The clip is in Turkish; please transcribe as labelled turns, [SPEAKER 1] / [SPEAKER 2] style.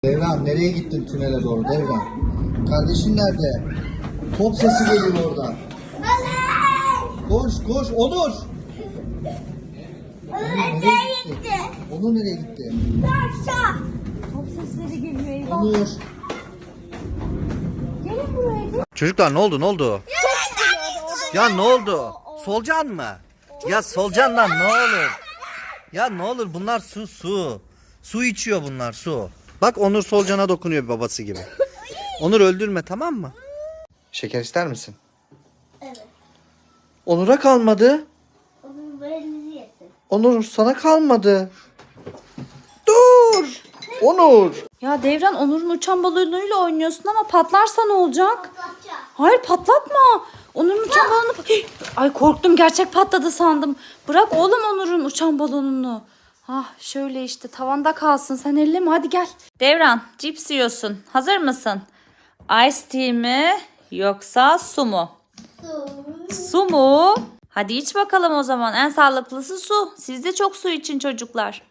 [SPEAKER 1] Devran nereye gittin tünele doğru Devran? Kardeşin nerede? Top sesi geliyor oradan. Koş koş Onur.
[SPEAKER 2] Nereye gitti?
[SPEAKER 1] Onur nereye gitti?
[SPEAKER 2] Aşağı.
[SPEAKER 3] Top sesleri geliyor eyvah.
[SPEAKER 1] Onur.
[SPEAKER 3] Gelin buraya gelin.
[SPEAKER 4] Çocuklar ne oldu ne oldu? Ya ne oldu? Solcan mı? Ya solcandan ne olur? Ya ne olur bunlar su. Su içiyor bunlar su. Bak Onur solcana dokunuyor babası gibi. Onur öldürme tamam mı? Şeker ister misin?
[SPEAKER 2] Evet.
[SPEAKER 4] Onur'a kalmadı.
[SPEAKER 2] Onun belini yesin.
[SPEAKER 4] Onur sana kalmadı. Dur. Onur.
[SPEAKER 3] Ya Devran Onur'un uçan balonuyla oynuyorsun ama patlarsa ne olacak?
[SPEAKER 2] Patlatacak.
[SPEAKER 3] Hayır patlatma. Onur'un uçan balonu... Ay korktum gerçek patladı sandım. Bırak oğlum Onur'un uçan balonunu. Ah şöyle işte tavanda kalsın sen elleme hadi gel. Devran cips yiyorsun. Hazır mısın? Ice tea mi yoksa su mu? Su mu? Hadi iç bakalım o zaman. En sağlıklısı su. Siz de çok su için çocuklar.